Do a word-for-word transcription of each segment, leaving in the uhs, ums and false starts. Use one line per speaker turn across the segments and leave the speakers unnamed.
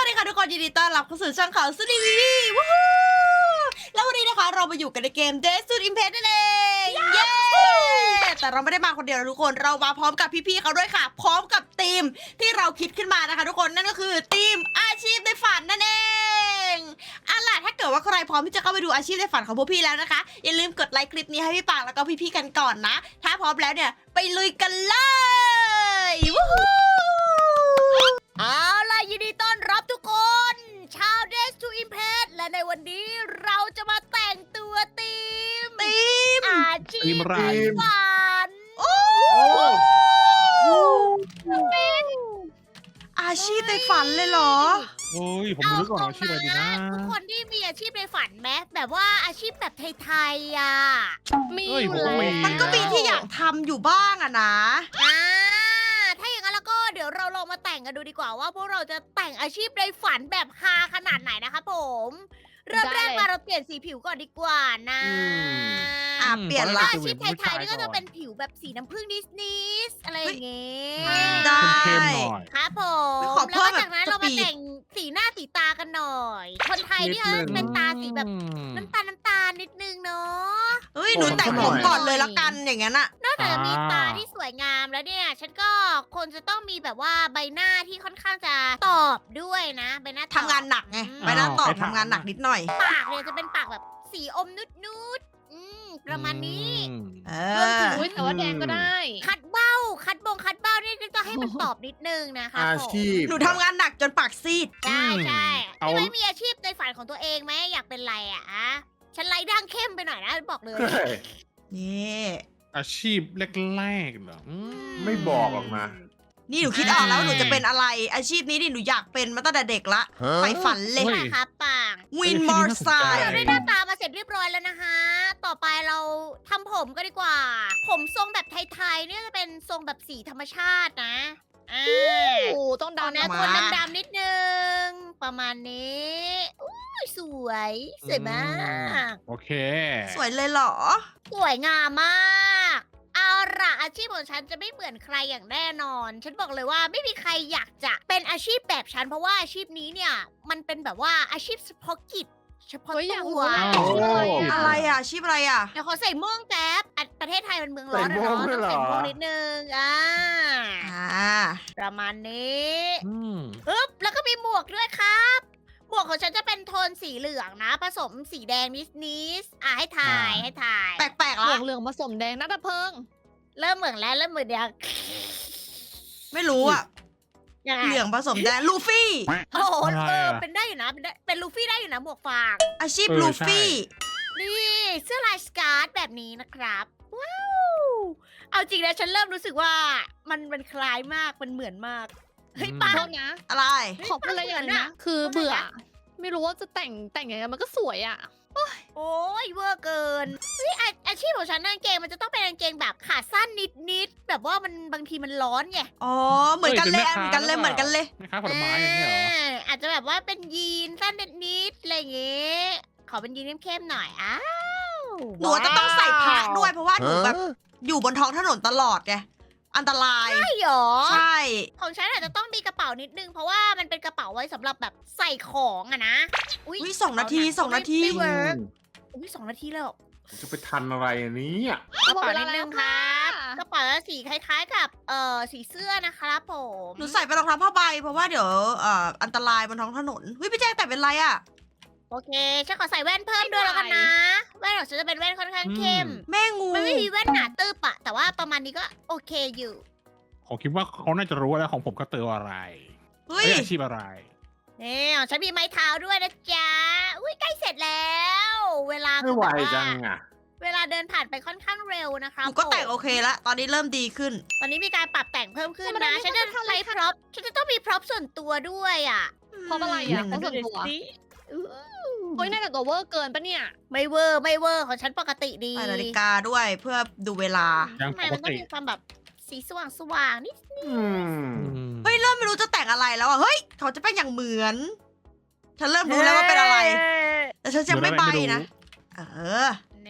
วัสดีค่ะทุกคนยินดีต้อนรับเข้าสู่ช่องข่าวสุดดีวีวีวู้ฮู้แล้ววันนี้นะคะเรามาอยู่กันในเกม Death to Impact นั่นเองเย้แต่เราไม่ได้มาคนเดียวนะทุกคนเรามาพร้อมกับพี่ๆเขาด้วยค่ะ พร้อมกับทีมที่เราคิดขึ้นมานะคะทุกคนนั่นก็คือทีมอาชีพในฝันนั่นเองเอาล่ะถ้าเกิดว่าใครพร้อมที่จะเข้าไปดูอาชีพในฝันของพวกพี่แล้วนะคะอย่าลืมกดไลค์คลิปนี้ให้พี่ปางแล้วก็พี่ๆกันก่อนนะถ้าพร้อมแล้วเนี่ยไปลุยกันเลยวู้ฮู้เอาล่ะยินดีต้อนรับทุกคนชาว Death to Impact และในวันนี้เราจะมาแต่งตัวทีมทีมอาชี
ที
พ
มอะไร
ในฝันโอ้เป็นอาชีพในฝันเลยเหรอ
โอ้ยผมรู้ก่อนว่าชื่ออะไรดีนะ
ทุกคนที่มีอาชีพในฝันไหมแบบว่าอาชีพแบบไทยๆอ่ะ
มี
เอ้ย
อยู่
ผมก็
แล้ว
มี
มันก็มีที่อยากทำอยู่บ้างอะนะ
อ่าถ้าอย่างนั้นแล้วก็เดี๋ยวเราลองมาแต่งกันดูดีกว่าว่าพวกเราจะแต่งอาชีพในฝันแบบฮาขนาดไหนนะคะผมเริ่มแรกมาเราเปลี่ยนสีผิวก่อนดีกว่านะ
อ่ะเปลี่ยน
ตอ
ละ
แรก
อา
จะ
ชีพ
เป็น
ไทยๆนี่ก็จะ
ผู้ชายก่อน
เป็นผิวแบบสีน้ำผึ้งนิดๆอะไรอย่างเงี้ย
ได้
เข้มๆหน่อย
ครับผม
ขอเพิ่
แล้ว
ม
ก็จากนั้น
แบบ
เรามา
สปีด
แต่งสีหน้าสีตากันหน่อย คนไทยนี่เออเป็นตาสีแบบ
อืม
น้ำตาลน้ำตาลนิดนึงเนาะ
เฮ้ยหนูแต่งผมก่อนเลยละกันอย่างนั้นอะ
นอกจากจะมี
อ่า
ตาที่สวยงามแล้วเนี่ย ฉันก็คนจะต้องมีแบบว่าใบหน้าที่ค่อนข้างจะตอบด้วยนะใบหน้าตอบ
ทำงานหนักไง
อืม
ไปนั่งตอบทำงานหนักนิดหน่อย
ปากเนี่ยจะเป็นปากแบบสีอมนุดๆอืมประมาณนี้
อืม
เอ
รวมถึ
อ
ง
อุ๊ยแต่ว่าแดงก็ได้
คัดเบ้า คัดบงคัดเบ้านี่ก็ให้มันตอบนิดนึงนะคะ
อาชีพ
หนูทำงานหนักจนปากซีด
ใช่ใช่
เอา
พี่ไม้มีอาชีพในฝันของตัวเองไหมอยากเป็นอะไรอ่ะอะฉันไล่ด่างเข้มไปหน่อยนะบอกเลย
นี่
อาชีพแรกๆเหรออืม
ไม่บอกหรอกนะ
นี่หนูคิดออกแล้วว่าหนูจะเป็นอะไร อาชีพนี้นี่หนูอยากเป็นมาตั้งแต่เด็กละใฝ่ฝันเลย
ฮ้
ค่ะครับปัง
วินมอร์ไซ
เรา
ค์
ได้หน้าตามาเสร็จเรียบร้อยแล้วนะคะ ต่อไปเราทำผมก็ดีกว่า ผมทรงแบบไทยๆเนี่ยจะเป็นทรงแบบสีธรรมชาตินะอ่า
โอ้ต้อง
ตอน
ดำ
นี้
นะ
คนดำๆนิดนึง ประมาณนี้อุ้ยสวยสวยมาก
โอเค
สวยเลยเหรอ
สวยงามมาก เอาล่ะอาชีพของฉันจะไม่เหมือนใครอย่างแน่นอน ฉันบอกเลยว่าไม่มีใครอยากจะเป็นอาชีพแบบฉันเพราะว่าอาชีพนี้เนี่ย มันเป็นแบบว่าอาชีพเฉพาะกิจ เฉพาะ
เฮ้ยอยาก
ตั
รู้
ว
นะ
โอ้
อะไรอะอาชีพอะไรอะ
เดี๋ยวขอใส่ม่วงแจ๊บอ่ะประเทศไทยมันเมืองร้อน
ใส่
อะ
ม่วง
เนาะ
ด้วย
ต้อง
เหรอ
ใส่ม่วงนิดนึง อ่า
อ่า
ประมาณนี้
อืม
อึ๊บ แล้วก็มีหมวกด้วยครับ หมวกของฉันจะเป็นโทนสีเหลืองนะ ผสมสีแดงนิดๆอ่ะให้ถ่ายให้ถ่าย
แปลกๆ
เหลื
ละ
องเหลืองผสมแดงนักดับเพลิง
เริ่มเหมือนแล้วเริ่มเหมือนเดียว
ไม่รู้อะ
ยังไง
เหลืองผสมแดงลูฟี่
โอ้โห
อะไร
เออ
อะ
เป็นได้อยู่นะ เป็นได้เป็นลูฟี่ได้อยู่นะหมวกฟาง
อาชีพ
เออ
ลู
ใช่
ฟี่
นี่เสื้อลายสการ์ตแบบนี้นะครับ ว้าว เอาจริงนะฉันเริ่มรู้สึกว่ามันมันคล้ายมาก มันเหมือนมาก เฮ้ย
อืม
ปัง
โทษนะ
อะไร
ขอพูดอะไรอย่างหนึงนะ คือเบื่อ ไม่รู้ว่าจะแต่งแต่งยังไงมันก็สวยอ่ะ
โอ้ยเวอร์เกินเฮ้ยอาอาชีพของฉันนะกางเกงมันจะต้องเป็นกางเกงแบบขาสั้นนิดๆแบบว่ามันบางทีมันร้อนไง
อ๋อ เหมือนกันเลย
เอ้ย
เหมือนกันเลย
เป็นแม่ค้า
เหมือนกันเลย
แม่ค้าผลไม้อย่างเงี้ยเหรอ
าอาจจะแบบว่าเป็นยีนสั้นนิดๆอะไรอย่างเงี้ยขอเป็นยีนเข้มๆหน่อยอ้าว
หนูจะต้องใส่พระด้วยเพราะว่าหนูแบบอยู่บนท้องถนนตลอดไง อันตราย
ใช่หรอ
ใช่
ของฉันอาจจะต้องมีกระเป๋านิดนึง เพราะว่ามันเป็นกระเป๋าไว้สำหรับแบบใส่ของอะนะ อุ้ย
อุ้ยสองนาทีสองนาที
ไม่เวิร์กอุ้ยสองนาทีแล้ว
จะไปทันอะไรอันนี้อ่ะ
กระเป๋านิดนึงค
ค่ะ
รับกระเป๋าสีคล้ายๆ กับเอ่อสีเสื้อนะครับผม
หนูใส่ไปรองเท้าผ้าใบเพราะว่าเดี๋ยวเอ่ออันตรายบนท้องถนนเฮ้ยพี่แจ้งแต่เป็นไรอะ
โอเคฉันขอใส่แว่นเพิ่มด้วยแล้วกันนะ แว่นของฉันจะเป็นแว่นค่อนข้างเข้ม
แม่งู
มันไม่มีแว่นหนาตึบอะแต่ว่าประมาณนี้ก็โอเคอยู่
ผมคิดว่าเขาน่าจะรู้แล้วของผมก็เตืออะไร
เฮ้ย
เอ้ยอาชีพอะไร
นี่ของฉันมีไม้เท้าด้วยนะจ๊ะ อุ้ยใกล้เสร็จแล้ว เวลา
ไม่
คือ
ไหว
แบบ
จั
ว่าง
อ่ะ
เวลาเดินผ่านไปค่อนข้างเร็วนะค
ห
รับ
นูก็แต่ง
ผม
โอเคละตอนนี้เริ่มดีขึ้น
ตอนนี้มีการปรับแต่งเพิ่มขึ้น
ธรรมดา
นะ
ไม่
ฉันจะ
ค่อยทันเล
ใช้
ย
พร็อพฉันจะต้องมีพร็อพส่วนตัวด้วยอ่ะ
เพราะอะไรอ่ะเพราะส่วนตัว
สิอู้
โอ้ยน่าจะตัวเวอร์เกินปะเนี่ย
ไม่เวอร์ไม่เวอร์ของฉันปกติดี
ใส่นาฬิกาด้วยเพื่อดูเวลา
ยัง
ทำไมมัน
ปก
ต้อง
ติ
มีความแบบสีสว่างสว่างๆนิด
อืม
อืม
เฮ้ยเริ่มไม่รู้จะแต่งอะไรแล้วอ่ะ เฮ้ยเขาจะเป็นอย่างเหมือน ฉันเริ่มรู้แล้วว่าเป็นอะไร แต่ฉันยังไม่ใบนะ เออ
นี่ฮ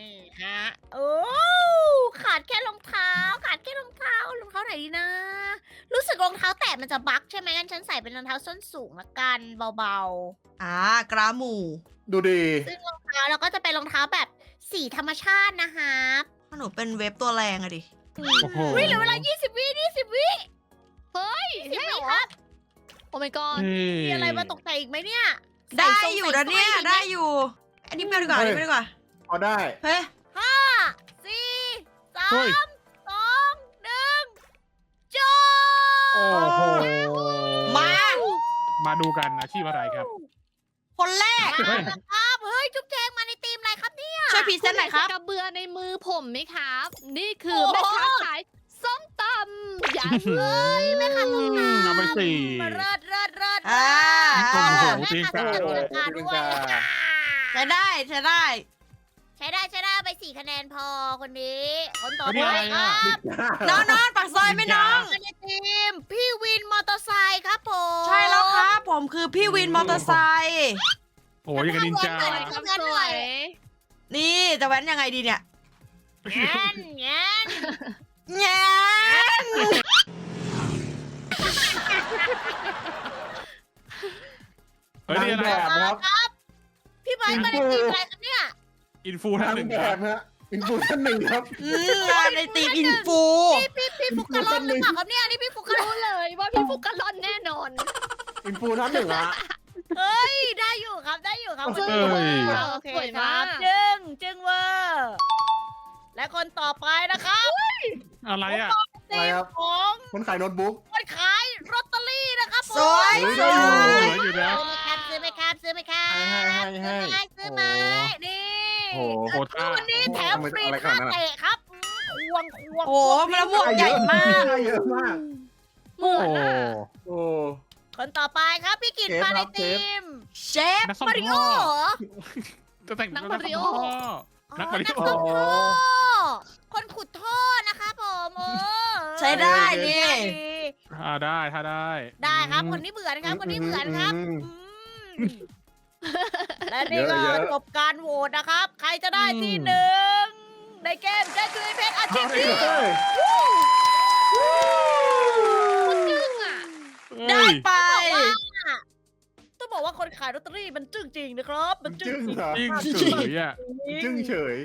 ฮะโอ้ขาดแค่รองเท้า ขาดแค่รองเท้ารองเท้าไหนดีนะ รู้สึกรองเท้าแตะมันจะบั๊กใช่ไหมงั้นฉันใส่เป็นรองเท้าส้นสูงละกันเบา
อ่ากราหมู
ดูดี
ๆ ซึ่งรองเท้าเราก็จะเป็นรองเท้าแบบสีธรรมชาตินะครับ
ถ้าหนูเป็นเว็บตัวแรงอะดิ
โอ้โห
วิเหลือเวลา ยี่สิบ วิยี่สิบ วิ
เฮ้ย
ยี่สิบ
ใช่
วิ
เหรอ
ครับ
โอ้ my god
เฮ้
มีอะไรมาตกแต่งอีกไหมเนี่ย
ได้
ใส่ทรง
อยู่นะเนี่ย
ใส่สร้อ
ได้อยู่ อันนี้ไม่เอาดีกว่าอันนี้ไม่เอาดีกว่า
พอได้
เฮ้ย
ห้าสี่สา
เฮ้ย
มสองหนึ่งจบ
โอ้โห
มา
มาดูกันอาชีพอะไรครับ
คนแรก
มาแล้วครับเฮ้ยจุ๊บแจงมาในทีมอะไรครับเนี่ย
ช่วยพรีเซนต์หน่อยครับ
กระเบือในมือผมไหมครับ นี่คือ
โอ้
แม่
โห
ค้าขายส้มตำอย่าเลย
แม่ค้าส้มตำ
เอาไปสี่
มาเริดเริดเริด
อ่า
โอ้โห
แม่
ตีน
ค้าก
า
ส้มตำตีลังกาด้วย
ใช้ได้ใช้ได้
ใช้ได้ใช้ได้ไปสี่คะแนนพอคนนี้ คนต่อ
อันนี้
ไป
อะไร
ค
อ่ะ
รับ
น้องน้องปากซอยไหมน้อง
มาในทีมพี่วินมอเตอร์ไซค์ครับผม
ใช่แล้วครับ ผมคือพี่วินมอเตอร์ไซค์
โอ้ยยังกับนินจา
ทำไม
ความสวย
นี่จะแว้นยังไงดีเนี่ย
แง่นแง่น
แง่
เฮ้ยนี่อะไร
นางแบบ
ครับ พี่ไบร์ทมาในทีมอะไรครับเนี่ย
อินฟูท่าน
ทาง
หนึ่ง
แบ
ครับ บ
ฮะอินฟูท่านหนึ่งครับ
อืมงานในตีมอินฟู
พี่พี่พี่ฟุกกะลอนหรือเปล่าครับเนี่ยนี่พี่ฟุกกะลอน
รู้เลยว่าพี่ฟุกกะลอนแน่นอน
อินฟูท่านหนึ่งอะ
เฮ้ยได้อยู่ครับได้อยู่ครับ
เอ้ย
โอเค
สวย
ค
มา
รั
ก
บจึงจึงเวอร์และคนต่อไปนะครับ
อะไรอ่ะ
ทีมของ
คนขายโน้ตบุ๊ก
คนขายลอตเตอรี่นะครับผม
สวย
เฮ้ย
ส
ได้อยู่
วย
เหลืออยู่แล้ว
ซื้อไหมครับซื้อไหมครับซื้อไหมครับ
ให้ให้ให้
ซื้อไหมนี่
โอ้โห
โหท่า
วันนี้แถมฟรี
อะไรข
ท่า
นาดนั้นอะ
เตะครับควงควง
โอ้มะละม่วงใหญ่มาก
ได้เยอะมาก
เหมือน
โอ้
อะ
โอ้
คนต่อไปครับพี่กิต
เชฟ
มาใน
ครับเช
ที
ฟ
ม
เชฟ
นักซ่อม
มาริโอ
ท่อ
เหรอ
จะแต่ง
นัก
เป็น
มาริโอ
นักมาริ
นัก
โอ
ซ่อมท่อคนขุดท่อนะคะผมเออ
ใช้ได้นี่
อ่าได้ถ้าได้
ได้ครับคนนี้เบื่อนะครับคนนี้เบื่อนะครับ
อืม
อืมและนี่ก็
เยอะๆ
จบการโหวตนะครับ ใครจะได้ที่หนึ่งในเกมได้คือเพชรอาชีพนี้
เฮ้ย
จึ้งอ่ะ
ได้ไป
ต้องบอกว่าคนขายลอตเตอรี่มันจึ้งจริงนะครับ มันจึ้
จึ้
ง
ง
จริง
เหรอ
จริงเฉยอ่ะ
จึ้งเฉย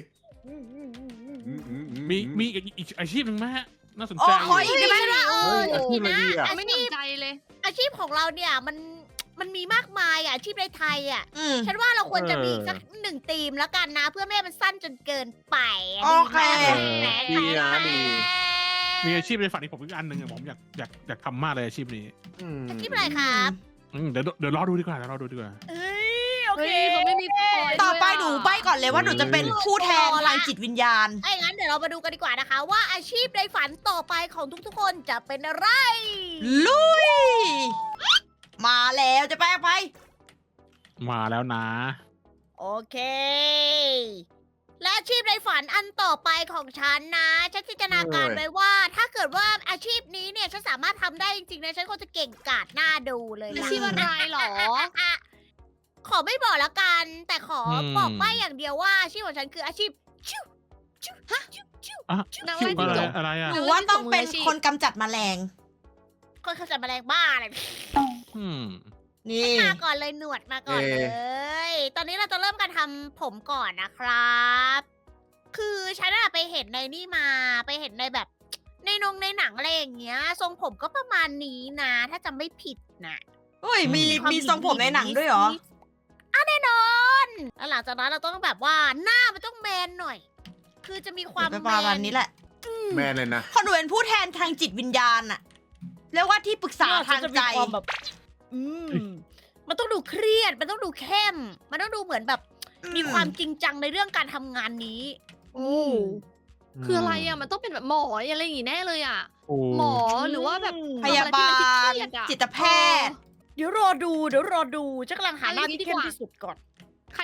มีมีอีกอีกอาชีพหนึ่งไหมฮะน่าสน
โอ้
ใจ
ขออีกได้ไหม
เอ
เฮ้
อย
อาชีพอะไรดีอะ
ไม่สนใจเลย
อาชีพของเราเนี่ยมันมันมีมากมายอ่ะอาชีพในไทยอ่ะ
อืม
ฉันว่าเราควรจะมีสักหนึ่งธีมแล้วกันนะ เพื่อไม่ให้มันสั้นจนเกินไป
โอเค
แหม
ดีนะดี
มีอาชีพในฝันที่ผมอีกอันหนึ่งอะผมอยากอยากอยากทำมากเลยอาชีพนี้
อืม
อาชีพอะไรครับ
อืมเดี๋ยวเดี๋ยวรอดูดีกว่าเดี๋ยวรอดูดีกว่า
เอ้ยโอ
เฮ้
เค
ยเขาไม่มีพอย
ต่อไป
ด้วยะ
หนูใบก่อนเลยว่าหนูจะเป็นผู้แทนทางจิตวิญญาณ
ไอ้งั้นเดี๋ยวเรามาดูกันดีกว่านะคะ ว่าอาชีพในฝันต่อไปของทุกๆคนจะเป็นอะไร
ลุย มาแล้วจะไปไป
มาแล้วนะ
โอเค และอาชีพในฝันอันต่อไปของฉันนะ ฉันจินตนาการไว้ว่า ถ้าเกิดว่าอาชีพนี้เนี่ยฉันสามารถทำได้จริงๆนะฉันคงจะเก่งกาจหน้าดูเลย
อา
ล่ะ
ชีพอะไรหรอ
อ่ะขอไม่บอกแล้วกัน แต่ขออ
ม
บอกไว้อย่างเดียวว่าอาชีพของฉันคืออาชีพชิวชิวฮะชิวชิว
อ่ะ
นาง
ชื่
ไล่
อ
จิ้
อะ
งจก
ไรอะไรอ่ะ
หนูว่าต้องเป็นคนกำจัดแมลง
คนเขาจะแมลงบ้าอะไร
อืม
นี่
มาก่อนเลยหนวดมาก่อนเลย ตอนนี้เราจะเริ่มการทำผมก่อนนะครับ คือฉันอะไปเห็นในนี่มา ไปเห็นในแบบ ในนงในหนังอะไรอย่างเงี้ย ทรงผมก็ประมาณนี้นะ ถ้าจำไม่ผิดนะ
เฮ้ย มี
ควา
มีทรงผมในหนังด้วยเหรอ
อ่ะแน่นอน แล้วหลังจากนั้นเราต้องแบบว่าหน้ามันต้องแมนหน่อย คือจะมีความ
เป็น
แม
ประมาณ
น
นี้แหละ
แม่เลยนะ
พอหนูเป็นผู้แทนทางจิตวิญญาณอะเรียกว่าที่ปรึกษาทางใจ
จะมีความแบบ อืม มันต้องดูเครียด มันต้องดูเข้ม มันต้องดูเหมือนแบบ มีความจริงจังในเรื่องการทำงานนี้
โอ้คืออะไรอ่ะ มันต้องเป็นแบบหมออะไรอย่างงี้แน่เลยอ่ะ
โอ้
หมอหรือว่าแบบ
พยาบาล
ทำอะไรที่มันเครียดๆอะ
จิตแพทย์
เดี๋ยวรอดู เดี๋ยวรอดูฉันกำลังหาหน้า
เอาอย่างนี้
ที่
ดี
เข้
ก
ม
ว่า
ที่สุดก่อน
ใคร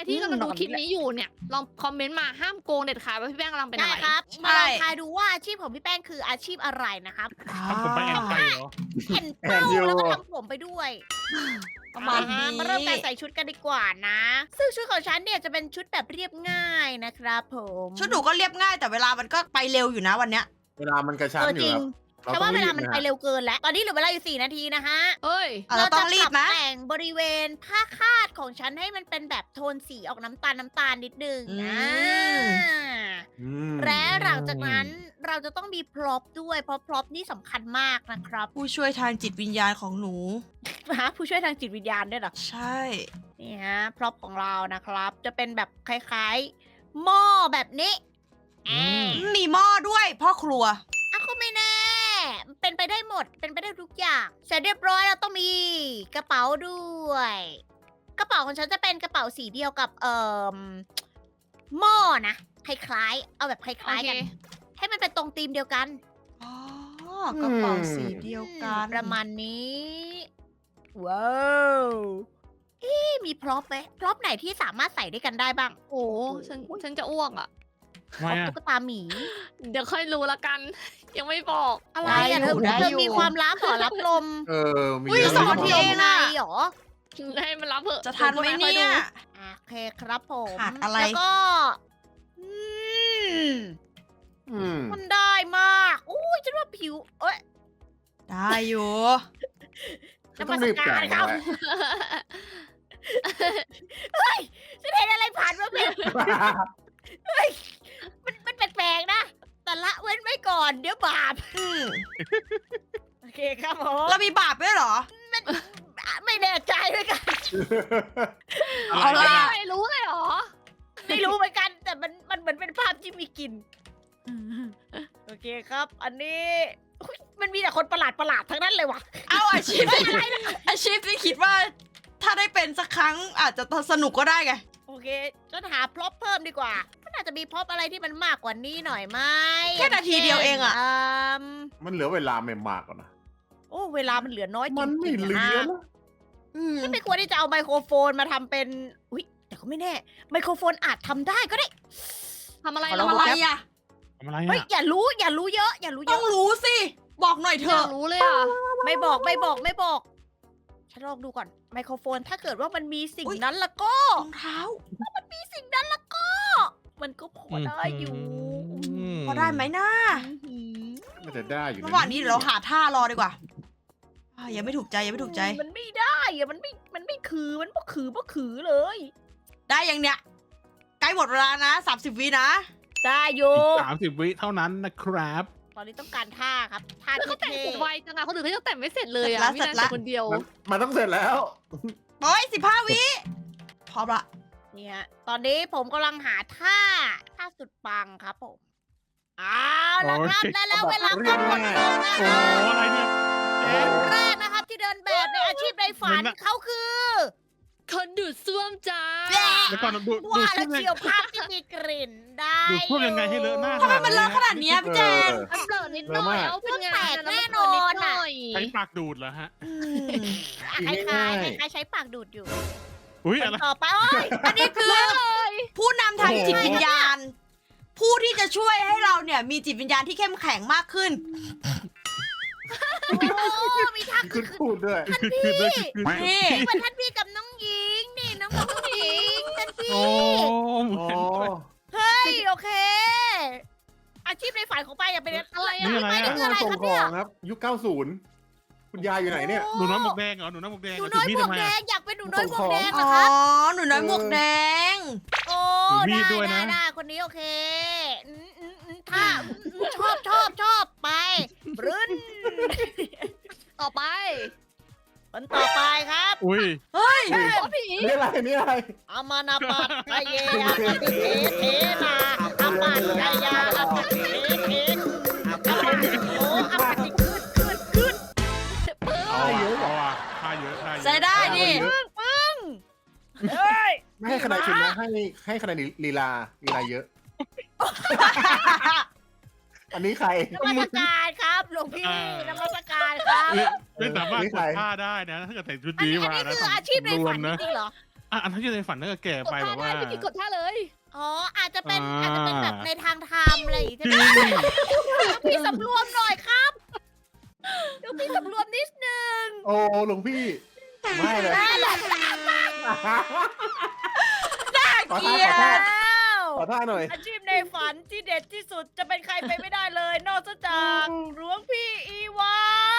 ที่กำลังดูคลิปนี้อยู่เนี่ยลองคอมเมนต์มาห้ามโกงเด็ดขาดว่าพี่แป้งกำลังเป็น
ได้
อะไร
ครับ
ใช่
มาลองทายดูว่าอาชีพของพี่แป้งคืออาชีพอะไรนะครับ
ทำผมไปแอบไปเหรอ
เห็นเป้าแล้วก็ทำผมไปด้วย
ประมาณนี้
อ่มาเริ่มการใส่ชุดกันดีกว่านะ ซึ่งชุดของฉันเนี่ยจะเป็นชุดแบบเรียบง่ายนะครับผม
ชุดหนูก็เรียบง่ายแต่เวลามันก็ไปเร็วอยู่นะวันเนี้ย
เวลามันกระชั้น
เออ
อ
จ
ยู่
ริง
ครับ
แต่ว่าเวลามันไป
เร็ว
เร็วเกินแล้ว ตอนนี้เหลือเวลาอยู่สี่นาทีนะฮะ
เฮ้ย
อ่ะเราต้องรีบ
ป
นะ
แต่งบริเวณผ้าคาดของฉันให้มันเป็นแบบโทนสีออกน้ำตาลน้ำตาลนิดนึง
อืม
อ่า
ๆ
และหลังจากนั้นเราจะต้องมีพร็อพด้วย เพราะพร็อพนี่สำคัญมากนะครับ
ผู้ช่วยทางจิตวิญญาณของหนู
ฮะผู้ช่วยทางจิตวิญญาณด้วยเหรอ
ใช่
นี่ฮะพร็อพของเรานะครับ จะเป็นแบบคล้ายๆ หม้อแบบนี้
อืม
มีหม้อด้วยพ่อครัว
อ่ะก็ไม่แน่ เป็นไปได้หมด เป็นไปได้ทุกอย่าง เสร็จเรียบร้อยเราต้องมีกระเป๋าด้วย กระเป๋าของฉันจะเป็นกระเป๋าสีเดียวกับเอ่อหม้อนะคล้ายๆ เอาแบบค
โอ
ล้าย
เค
ๆกัน ให้มันเป็นตรงธีมเดียวกัน
อ๋อกระเป๋าสีเดียวกัน
ประมาณนี้ ว้าวเอ๊ะมีพร็อพไหมพร็อพไหนที่สามารถใส่ด้วยกันได้บ้าง
โอ้ฉันฉันจะอ้วกอ่ะ
ทำไมอ่ะ
ตุ๊กตาหมี
เดี๋ยวค่อยรู้ละกัน ยังไม่บอก
อะไรอะ
ได้
เธ
อยู่
อ
ได้
เธอ
อยู่
มีความลับเหรอรับลม
เออ มี
อุ้ย
เยอะ
สองนาทีเองอะ
เหรอ
ให้มันรับเถอะ
จะทันไหมเนี่ย
อ่ะโอเคครับผม
ขาดอะไร
แล้วก็อืม
อืม
มันได้มากอุ้ยฉันว่าผิว เอ้ย
ได้อยู่
ก็ต้องรีบจ่าย
ครั
นะ
บเฮ้ยฉันเห็นอะไรผ่านมาเป็นมันมันแปลกๆนะ แต่ละเว้นไว้ก่อน เดี๋ยวบาป
อืม
โอเคครับผม
เรามีบาปด้วยเหรอ
ไม่แน่ใจด้วยกัน
เอาล่ะ
ไม่รู้เลยเหรอ
ไม่รู้เหมือนกัน แต่มันมันเหมือนเป็นภาพที่มีกลิ่นโอเคครับ อันนี้อุ๊ยมันมีแต่คนประหลาดประหลาดๆทั้งนั้นเลยว่ะ
เอาอาชีพที่อาชีพที่คิดว่า ถ้าได้เป็นสักครั้งอาจจะสนุกก็ได้ไง
โอเคฉันหาพร็อพเพิ่มดีกว่ามันอาจจะมีพร็อพอะไรที่มันมากกว่านี้หน่อยไหม
แค่นาทีเดียวเองอะ
ม
มันเหลือเวลาไม่มากกว่านะ
โอ้เวลามันเหลือน้อยจริงๆ
มันไม่เหลือ
นะ
แล้ว
อืม
ฉันไม่ควรที่จะเอาไมโครโฟนมาทำเป็นอุ๊ยแต่ก็ไม่แน่ ไมโครโฟนอาจทำได้ก็ได้
ทำอะไร
ทำ
เรา
อะไรอะ
ทำอะไร
เฮ้ย
อ่ะ
อย่ารู้อย่ารู้เยอะ อย่ารู้เย
ต้อง
อะ
รู้สิ บอกหน่อยเถ
อยา
อะ
กรู้เลยอ่ะ
ไม่บอกไม่บอกไม่บอก ฉันลองดูก่อน ไมโครโฟนถ้าเกิดว่ามันมีสิ่ง
อุ๊ย
นั้นแล้วก็
รองเท้า
มีสิ่งนั้นแล้วก็ มันก็พอได้อยู่
ม
พอได้ไหมนะ
อื้อหือ
มันจะได้อยู่
ระหว่างนี้เดี๋ยวเราหาท่ารอดีกว่าอ่ะยังไม่ถูกใจยังไม่ถูกใจ
มันไม่ได้อะมันไม่ มันไม่คือ มันบ่คือบ่คือเลย
ได้ยังเนี่ยใกล้หมดเวลานะสามสิบวินะ
ได้อยู่
สามสิบวิเท่านั้นนะครับ
ตอนนี้ต้องการท่าครับ ท่า
แล้วเขาแต่ง
เท่
เสร็จไวจังอะคนอื่นเขายังแต่งไม่เสร็จเลยอะ
เสร็จแล้ว
มีนายแต่คนเดียว
มันมันต้องเสร็จแล้ว
โอ้ยสิบห้าวิพร้อมละ
ๆเนี่ย ตอนนี้ผมกำลังหาท่า ท่าสุดปังครับผมเอาละครับ
โอเค
และแล้วเวลาก็หมดลงนะ
โอ้
ครับ
อะไรเนี่ย
เกมแรกนะครับที่เดินแบบในอาชีพในฝัน
เหมือนน่ะ
เขาคือ
คนดูดซ่วมจ้า
แหละ
แล้วก่อนดูดู
ว่า
ช่
แล้ว ว
ง
เชียวภาพที่มีกลิ่นได้
ดูพวกยังไงให้เลอะหน้า
ทำไมมันเลอะขนาดเนี้ยพี่แจง
มันเปิดนิดหน่อยเอาเป็นไง
แตกแน่นอนอะ
ใช้ปากดูดเหรอฮะ
อืม
คล้ายๆคล้ายๆใช้ปากดูดอยู่
อุ้ย
ค
อะไร
นต่อไปโอ้ย
อันนี้คือผู้นำทางจิตวิญญาณ ผู้ที่จะช่วยให้เราเนี่ยมีจิตวิญญาณที่เข้มแข็งมากขึ้น
โอ้มีท่า
ขึ้นพูดด้วย
คือคือด้วยคือ
นี่
เป็นท่านพี่กับน้องหญิงนี่น้องกับน้องหญิงท่านพี่
โอ้เหมื
อ๋
อ
อ
น
เฮ้ยโอเค อาชีพในฝันของป้าอย่าเป็นอะไร
นี่
อะ
อะไร
ไม่
อะ
นี่คืออะไร
ส่
ค
ง
รับ
ข
เนี่
อย งครับ ยุคเก้าสิบคุณยายอยู่ไหนเนี่ย
หนูน้อยหมวกแดงเหรอหนูน้อยหมวกแดง
หนู
เหรอ
น้อย
ถื
หม
มีด
วก
ทำไม
แด
อะ
งอยากเป็นหนูน้อยหมวกแดงเหร
อ๋
อ
อ
ครับ
หนูน้อยหมวกแดง
โอ้
ถือมี
ได้
ดด้วย
ได้
นะ
ได้คนนี้โอเคอืมอืมอืมถ้าอืมชอบชอบชอบไปรื้น
ต่อไป
คนต่อไปครับ
อุ้ย
เฮ้ย
โอ้ผี
นี่อะไรนี่อะไร
อามานาปัตไกเยอาปฏิเทเทนาอาปัตไกยาอาปฏิเทเทอาปัตโออาปฏิขึ้นขึ้นขึ้น
เอาอะเอาอะท่าเยอะท่าเยอะ
ใช้ได้นี่
ปึ้งปึ้งเฮ้ย
ไม่ให้คะแนนคุณนะให้ให้คะแนนลีลาลีลาเยอะ อันนี้ใคร
นมัสการครับหลวงพี่นมัสการครับ
ไม่ไม่สามารถ
นี่
ก
ใคร
ดท่าได้นะถ้าเกิดใส่ชุด
อัน
นี้
นี้อัน
มา
นี้
นะ
คืออาชีพในฝัน
รวม
จ
นะ
ริงๆเหรอ
อ่ะอันที่ในฝันนั่นก็แก่
กด
ไปแบ
ท่า
บ
ได้
ว่า
พี่กิจกดท่าเลย
อ๋ออาจจะเป็น
อ่า
อาจจะเป็นแบบในทางธรรมอะไรอย่างงี้
จริ
ใช่
ง
ไหมพี่สำรวมหน่อยครับเดี๋ยวพี่สำรวมนิดนึง
โอ้หลวงพี่ ไม่เลย
ได้แหละ
ขอ
เกลี
ท่าย ขอท่า
ด
แล้ว
ขอท่าหน่อย
อาชีพในฝันที่เด็ดที่สุดจะเป็นใครไปไม่ได้เลย นอกจากหลวงพี่อีวา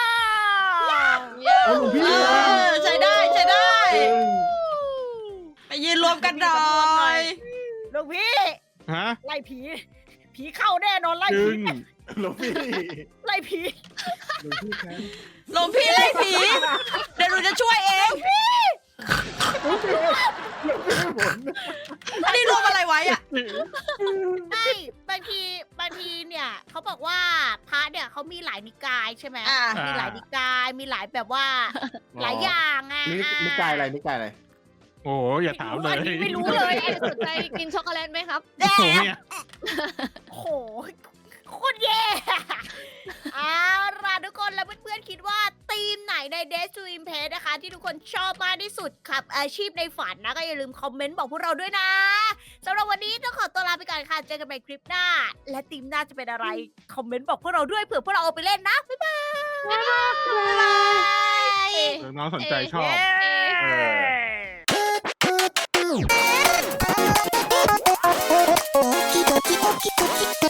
โอ้หลวงพี่
เออใช้ได้ใช้ได้
เออ
ไปยืนรวมกันหน่อย
หลวงพี่
ฮะ
ไล่ผี ผีเข้าแน่นอนไล่
จึ
ผี
ง
หลวงพี่
ไล่ผี
หลวงพี่ครับ
หลวงพี่ไล่ผี เดี๋ยวหนูจะช่วยเอง
หลวงพี่หลวงพี่หมุน
อันนี้รวมอะไรไว้อะ
ไม่บางทีบางทีเนี่ยเขาบอกว่าพระเนี่ยเขามีหลายนิกายใช่ไหม
อ่า
มีหลายนิกายมีหลายแบบว่า หลายอย่างอ่ะ
นี่นี่กายอะไรนี่กายอะไร
โอ้อย่าถามเลย
อันนี้ไม่รู้เลย
เอ็นสนใจกินช็อกโกแลตไหมครับ
แด
โอ้
ง
เนี่ย
โอ้โหโคตรแย่เอาล่ะทุกคนแล้วเพื่อนๆคิดว่าทีมไหนใน Days to Impress นะคะ ที่ทุกคนชอบมากที่สุดกับอาชีพในฝันนะ ก็อย่าลืมคอมเมนต์บอกพวกเราด้วยนะสำหรับวันนี้ต้องขอตัวลาไปก่อนค่ะ เจอกันใหม่คลิปหน้า และทีมหน้าจะเป็นอะไร คอมเมนต์บอกพวกเราด้วยเผื่อพวกเราเอาไปเล่นนะ บ๊ายบาย
บ๊ายบาย
น้องสนใจชอบ
เย้
เออ
ドキドキドキドキ